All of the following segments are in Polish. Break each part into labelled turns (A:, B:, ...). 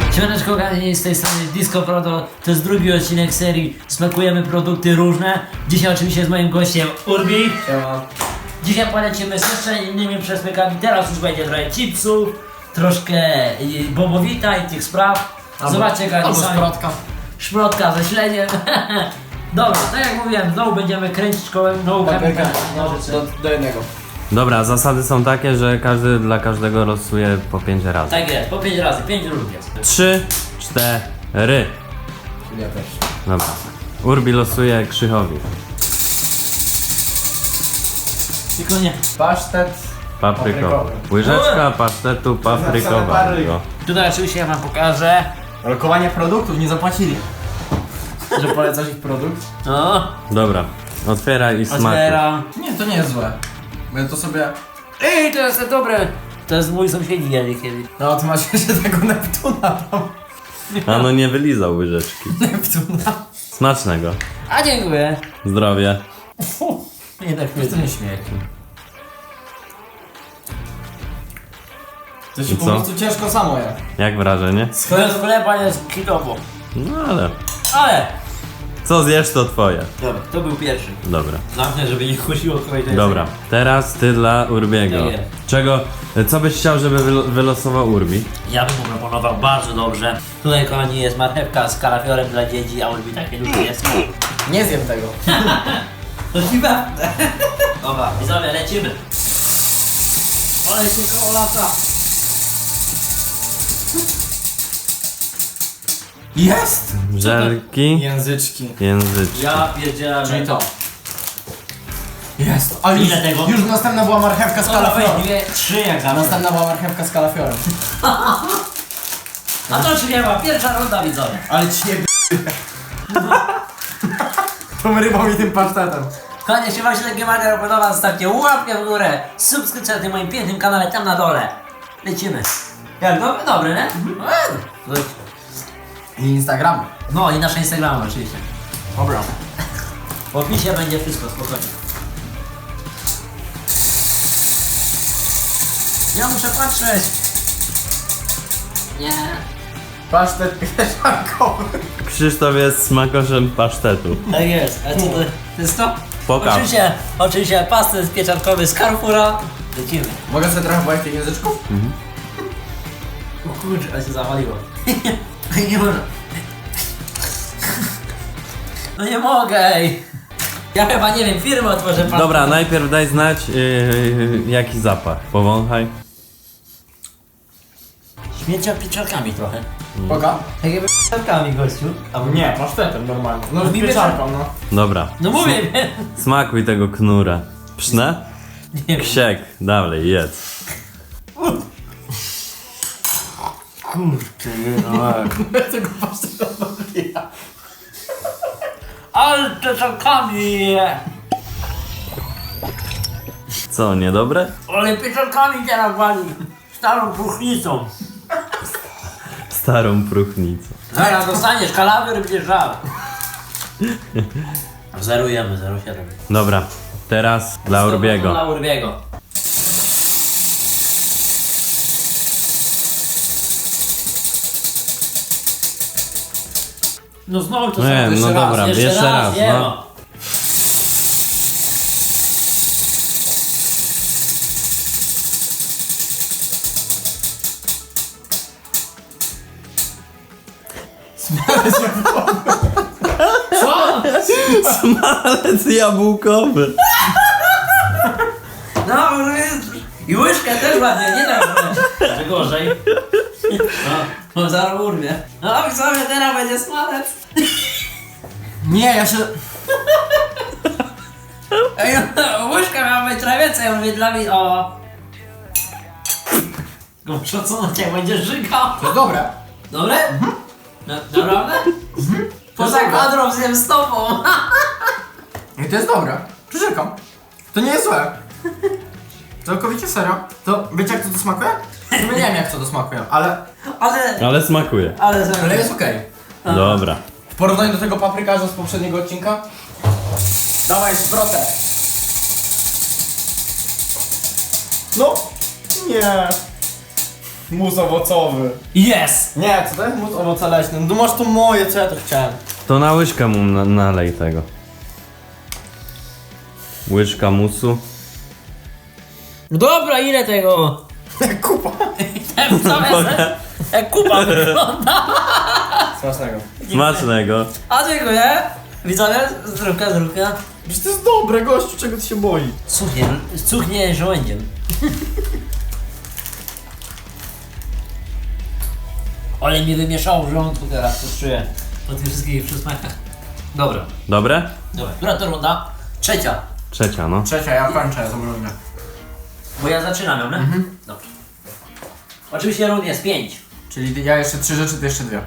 A: Siemaneczko, kochani, z tej strony Disco Proto. To jest drugi odcinek serii Smakujemy produkty różne. Dzisiaj oczywiście z moim gościem Urbi.
B: Siema.
A: Dzisiaj polecimy z jeszcze innymi przesmykami. Teraz już będzie trochę chipsów, troszkę bobowita i tych spraw. Zobaczcie, kochani,
B: Albo
A: sami.
B: szprotka.
A: Szprotka ze śledziem. Dobra, tak jak mówiłem, znowu będziemy kręcić kołem, znowu
B: Papierka.
A: nożyce.
B: Do jednego.
C: Dobra, zasady są takie, że każdy dla każdego losuje po 5 razy.
A: Tak jest, po 5 razy, 5 różnych jest.
C: 3, 4.
B: Ja też.
C: Dobra. Urbi losuje Krzychowi.
A: Tylko nie.
B: Pasztet.
C: Paprykowy. Łyżeczka pasztetu paprykowego.
A: Tutaj oczywiście ja wam pokażę.
B: Lokowanie produktów, nie zapłacili. Że polecasz ich produkt?
A: No,
C: Dobra. Otwieraj i smakuj.
A: otwieram.
B: Nie, to nie jest złe. Bo ja to sobie...
A: Ej, to jest dobre. To jest mój sąsiedzi jadli kiedyś.
B: No, ty masz jeszcze tego Neptuna tam.
C: A no nie wylizał łyżeczki.
B: Neptuna.
C: Smacznego.
A: A dziękuję.
C: Zdrowie.
A: Nie tak
B: To nie śmiech. To się
C: I
B: po
C: co?
B: prostu ciężko samo je.
C: Jak wrażenie?
A: Chleb chleba jest kilowo.
C: No ale...
A: Ale!
C: Co zjesz to twoje.
A: Dobra, to był pierwszy.
C: Dobra.
A: Zamknę, żeby nie kusiło kogoś.
C: Dobra. Teraz ty dla Urbiego.
A: Tak jest.
C: Czego... Co byś chciał, żeby wylosował Urbi?
A: Ja bym mu proponował bardzo dobrze. Tutaj, kochani, jest marchewka z kalafiorem dla dzieci, a Ulbi takie lubi jest.
B: Nie zjem tego.
A: To ci pewne. Dobra, widzowie, lecimy. Ale się koło lata.
B: Jest!
C: Żelki,
B: Języczki.
C: języczki.
A: Ja pierdzielę.
B: Czyli to. Jest. A już,
A: Ile tego?
B: już następna była marchewka z
A: Dobra,
B: kalafiorem.
A: weź 3 jak zawsze.
B: Następna była marchewka z kalafiorem.
A: A to czy nie ma? Pierwsza runda, widzowie.
B: Ale ciebie. Tą rybą i tym pasztetem.
A: Kochani, jeśli wam się takie materiał podoba, zostawcie łapkę w górę, subskrypcję na tym moim pięknym kanale, tam na dole. Lecimy. Jak dobry? Dobry, nie?
B: I Instagram.
A: No i nasze Instagramy oczywiście.
B: Dobra.
A: W opisie będzie wszystko, spokojnie. Ja muszę patrzeć. Nie.
B: Pasztet pieczarkowy.
C: Krzysztof jest smakoszem pasztetu.
A: Tak jest. A co to jest to?
C: Pokaż.
A: Oczywiście pastet pieczarkowy z Carrefoura. Lecimy.
B: Mogę sobie trochę bojać tych języczków?
A: O kurczę, ale się zawaliło. Nie można. No nie mogę, ej. Ja chyba nie wiem, firmę otworzę.
C: Dobra, najpierw daj znać jaki zapach. Powąchaj.
A: Śmiecia pieczarkami trochę.
B: Poka?
A: Takie pieczarkami, gościu.
B: Nie, pasztetem normalnie. No
A: No
B: z
A: mi
B: pieczarką, no.
C: Dobra.
A: No mówię,
C: Smakuj tego knura. Psznę?
A: nie wiem.
C: Ksiek. Dalej, jedz.
A: Kurczę, no.
B: Tego pasztetu odbija.
A: Ale pieczarkami!
C: Co, niedobre?
A: Ale pieczarkami teraz wali. Starą próchnicą.
C: Starą próchnicę.
A: Zaraz dostaniesz kalawior i będziesz żał. Zerujemy, 0,7.
C: Dobra, teraz dla Urbiego.
A: Dla Urbiego. No znowu to
C: Nie,
A: samo.
C: no dobra, jeszcze raz,
A: nie
C: no.
A: ma. Co?
C: Smalec jabłkowy.
A: No, i łyżkę też ładnie, nie tak że gorzej. No, zaraz urwie. No, i sobie teraz będzie smalec.
B: Nie, ja się...
A: Ej, no, łyżka miała być trochę więcej, ja mówię dla mnie, o. Gorsza co na ciebie będziesz żygał.
B: To jest dobre.
A: Dobre? Naprawdę? Poza kadrą zjem z tobą.
B: I to jest dobre. Przyrzekam. To nie jest złe. Całkowicie serio. To wiecie jak to smakuje? Nie wiem jak to smakuje, ale
C: Ale smakuje.
B: ale jest okej.
C: Dobra.
B: W porównaniu do tego paprykarza z poprzedniego odcinka. Dawaj szprotę. No. Nie. Mus owocowy.
A: Yes!
B: Nie, co to jest mus owoce leśne? No masz to moje, co ja to chciałem.
C: To na łyżkę mu nalej tego. Łyżka musu.
A: No dobra, ile tego?
B: Kupa.
A: Jak kupa wygląda.
B: Smacznego.
C: Smacznego.
A: A dziękuję. Widzowie, zdrówka.
B: Przecież to jest dobre, gościu, czego ty się boi?
A: Cuchnie żołędziem. Ale mi wymieszało w żołądku teraz, to czuję. Po tych wszystkich przysmakach. Dobra.
C: Dobre?
A: Dobra. Która to runda? Trzecia.
C: Trzecia, no.
B: Trzecia, ja kończę zamrożenie.
A: Bo ja zaczynam ją, nie? Dobrze. Oczywiście rund jest 5.
B: Czyli ja jeszcze 3 rzeczy, ty jeszcze 2.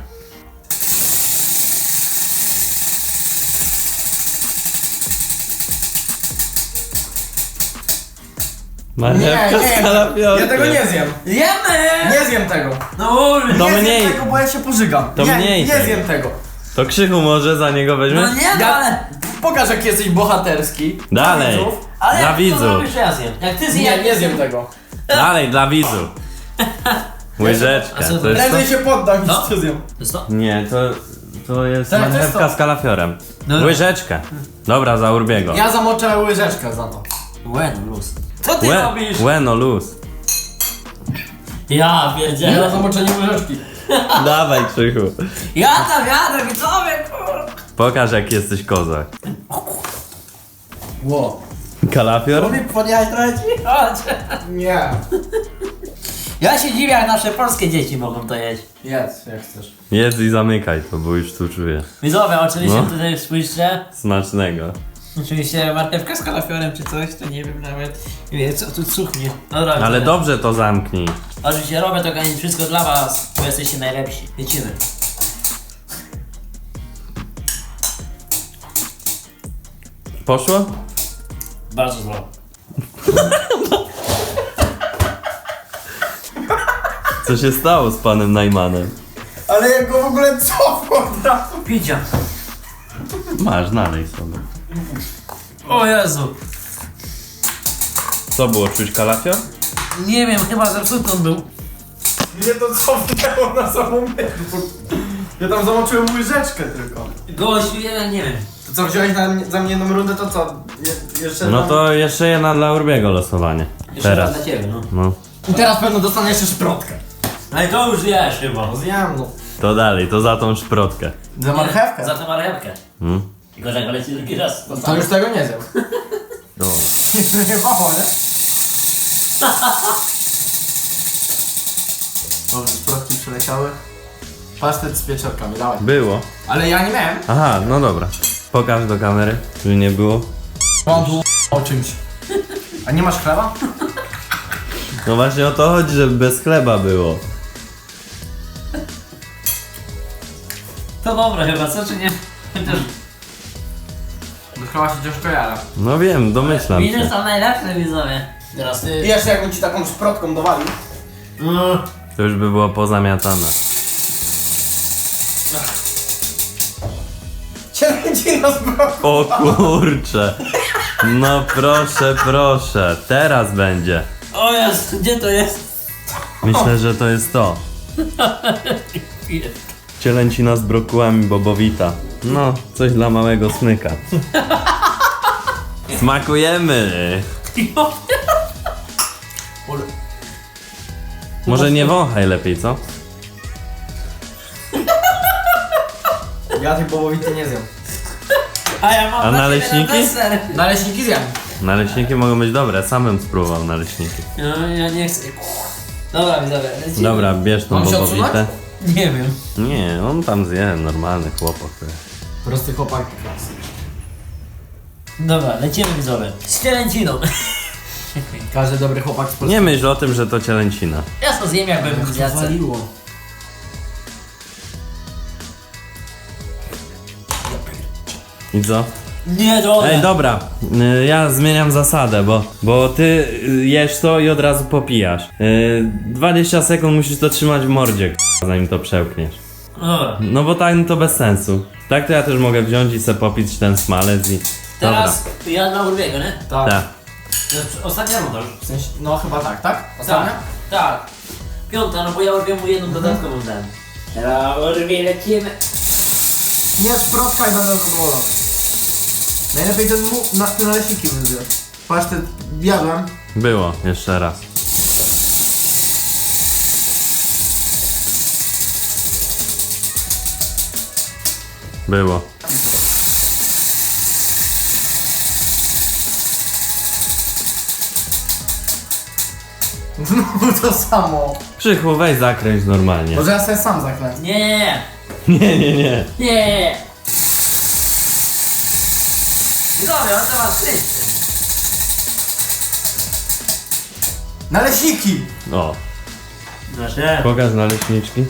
C: Marchewka z kalafiorkiem.
B: Ja tego nie zjem.
A: Jemy!
B: Nie zjem tego.
A: No mów!
C: To
B: nie
C: mniej.
B: zjem tego, bo ja się pożygam.
C: To
B: nie,
C: mniej
B: nie
C: tego.
B: zjem tego.
C: To Krzychu może za niego weźmie?
A: No nie, no
B: Ja-
A: ale...
B: Pokaż, jak jesteś bohaterski.
C: Dalej.
B: Dla widzów.
A: Ale
C: Dla
A: jak
C: widzów.
A: to robisz, ja zjem. Jak ty zjesz...
B: Nie, nie zjem tego.
C: Dalej, dla widzów. Łyżeczka.
A: A co
C: To jest to?
B: Prędzej się poddam niż
A: No.
B: to zjem.
A: To jest to?
C: Nie, to jest
B: Tak, to jest
C: marchewka
B: to.
C: z kalafiorem.
A: Dobra.
C: Łyżeczkę. Dobra, za Urbiego.
B: Ja zamoczę łyżeczkę za to.
A: Łen, luz. Co ty robisz?
C: Bueno luz.
A: Ja
B: Na
A: pierdzielę.
B: zamoczenie łyżeczki.
C: Dawaj, Krzychu.
A: Jadę, widzowie, kurwa.
C: Pokaż, jak jesteś kozak.
B: Ło.
C: Kalafior?
A: Lubię podjechać trochę ci? Chodź.
B: Nie.
A: Ja się dziwię, jak nasze polskie dzieci mogą to jeść.
B: Jedz, jak chcesz.
C: Jedz i zamykaj to, bo już tu czuję.
A: Widzowie, oczywiście
C: No.
A: tutaj spójrzcie.
C: Smacznego.
A: Oczywiście marchewka z kalafiorem czy coś, to nie wiem nawet. Nie wiem, co tu cuchnie. Dobra,
C: Ale
A: widzowie.
C: dobrze to zamknij.
A: Oczywiście robię to kochani, wszystko dla was, bo jesteście najlepsi. Lecimy.
C: Poszło?
A: Bardzo zdrowo.
C: Co się stało z panem Najmanem?
B: Ale jak go w ogóle cofło od razu.
A: Picia.
C: Masz, nalej sobie.
A: O Jezu.
C: Co było, czuć kalafior?
A: Nie wiem, chyba zepsuty on był.
B: Mnie to cofnęło na samą myśl. Ja tam zamoczyłem łyżeczkę tylko.
A: Gościu, ja nie wiem.
B: To co, wziąłeś za mnie jedną rundę, to co? Jeszcze
C: No
B: tam-
C: to jeszcze jedna dla Urbiego losowanie.
A: Jeszcze
C: Teraz.
A: raz dla ciebie, no.
C: No.
B: I teraz pewno dostanę jeszcze szprotkę.
A: Ale to już wiesz chyba.
B: Zjem, no.
C: To dalej, to za tą szprotkę.
B: Za marchewkę.
A: Za tę marchewkę.
C: Hmm?
A: Tylko że leci drugi raz.
B: To już tego nie zjem.
C: Dobra.
B: Nie mało, nie? Dobrze, szprotki przeleciały. Pasztet z pieczarkami, dawaj.
C: Było.
B: Ale ja nie miałem.
C: Aha, no dobra. Pokaż do kamery, czy nie było.
B: Mam tu o czymś. A nie masz chleba?
C: No właśnie o to chodzi, żeby bez chleba było.
A: To dobre chyba, co czy nie? Chociaż
B: Do chleba się ciężko jara.
C: No wiem, domyślam
A: winy
C: się.
A: są najlepsze, widzowie. Teraz ty.
B: I jeszcze jakbym ci taką szprotką dowalił.
C: To już by było pozamiatane.
B: Cielęcina z broku.
C: O kurcze. No proszę, proszę. Teraz będzie.
A: O Jezu, gdzie to jest?
C: Myślę, że to jest to. Cielęcina z brokułami bobowita. No, coś dla małego smyka. Smakujemy. Może nie wąchaj lepiej, co?
B: Ja tej połowity nie zjem.
A: A ja mam
C: A
A: dla
C: naleśniki?
A: ciebie na deser.
B: Naleśniki zjem.
C: Naleśniki mogą być dobre, samym spróbował naleśniki.
A: No, ja nie chcę. Dobra, widzowie, lecimy.
C: Dobra, bierz tą
B: Mam się
C: bobowitę.
B: odsunąć?
A: Nie wiem.
C: Nie, on tam zje, normalny chłopak.
B: Prosty chłopak.
A: Dobra, lecimy widzowie. Z cielęciną.
B: Każdy dobry chłopak z
C: Nie myśl o tym, że to cielęcina.
A: Ja to zjem jakbym w dziadce.
B: Zawaliło.
C: I co?
A: Nie, droga.
C: Ej, dobra, ja zmieniam zasadę, bo ty jesz to i od razu popijasz. 20 sekund musisz to trzymać w mordzie, zanim to przełkniesz.
A: Dobra.
C: No bo tak to bez sensu. Tak to ja też mogę wziąć i se popić ten smalec i...
A: Teraz ja dla Urbiego, nie?
B: Tak.
C: Tak.
A: To jest ostatnia runda już.
B: W sensie, no chyba tak, tak? Ostatnia?
A: Tak. Piąta, no bo ja urwię mu jedną dodatkową dam. Teraz urwię, lecimy.
B: Nie szprotka i będę zadowolony. Najlepiej te naleśniki wyzwać. Pasztet jadłem.
C: Było, jeszcze raz. Było.
B: Znowu to samo.
C: Krzychu, weź zakręć normalnie.
B: Może ja sobie sam zaklęcę.
A: Nie.
C: Nie.
A: Nie. Dobra, on to ma wszyscy.
B: Naleśniki!
C: O,
A: Proszę.
C: pokaż naleśniczki.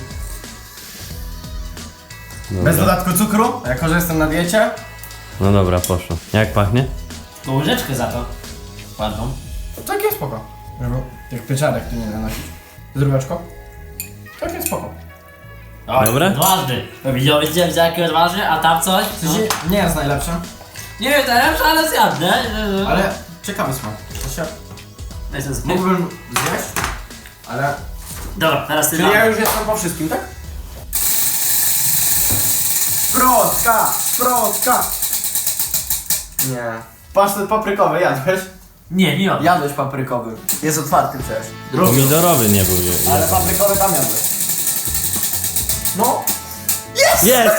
B: Bez
C: Dobra.
B: dodatku cukru, jako że jestem na diecie.
C: No dobra, poszło. Jak pachnie?
A: To łyżeczkę za to. Ładną.
B: Tak jest spoko. Żeby jak pieczarek tu nie nanosić. Zdróweczko. Tak jest spoko.
A: Oj,
C: Dobre?
A: Odważny. Widziałeś jaki odważny, a tam coś?
B: W sensie nie jest najlepsze,
A: Nie wiem, najlepsze, ale zjadnę.
B: ale ciekawy smak. To się
A: Jestem zbyt.
B: mógłbym zjeść, ale...
A: Dobra, teraz ty
B: Czyli ja
A: dam.
B: już jestem po wszystkim, tak? Szprotka! Nie. Pasztet paprykowy jadłeś?
A: Nie on.
B: Jadłeś paprykowy. Jest otwarty przecież.
C: Pomidorowy nie był.
B: Ale paprykowy tam jadłeś. No.
C: Jest!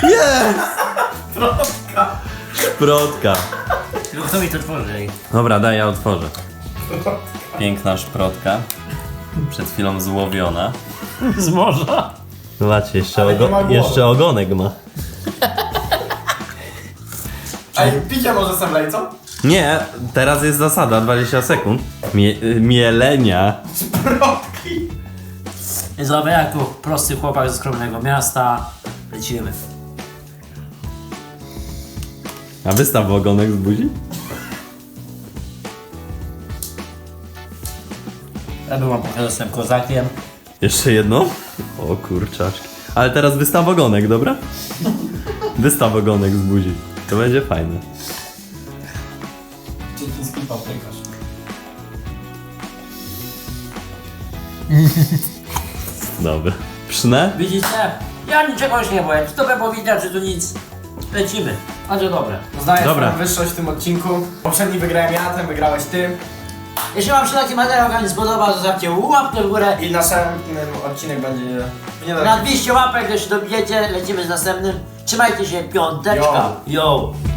C: Szprotka.
A: Tylko kto mi to tworzy?
C: Dobra, daj, ja otworzę. Piękna szprotka. Przed chwilą złowiona.
A: Z morza.
C: Zobaczcie,
B: Ale nie ma głowy.
C: jeszcze ogonek ma.
B: Ej, picie może sem lej, co?
C: Nie, teraz jest zasada, 20 sekund. Mielenia.
B: Szprotki.
A: Zobacz, jak tu prosty chłopak ze skromnego miasta. Lecimy.
C: A wystaw ogonek z buzi?
A: Ja byłam pokazał, jestem kozakiem.
C: Jeszcze jedno? O kurczaczki. Ale teraz wystaw ogonek, dobra? Wystaw ogonek z buzi. To będzie fajne.
B: Chiński paprykarz.
C: Dobra. Psznę?
A: Widzicie? Ja niczego już nie byłem. Czy to by było widać, że tu nic. Lecimy. A to dobre.
B: Zdaję
C: Dobra.
B: swoją wyższość w tym odcinku. Poprzedni wygrałem ja, ten wygrałeś ty.
A: Jeśli wam się taki materiał wam nie spodobał, zostawcie łapkę w górę.
B: I następny odcinek będzie... Nie
A: Na 200 łapek, jeśli dobijecie, lecimy z następnym. Trzymajcie się, piąteczka. Yo.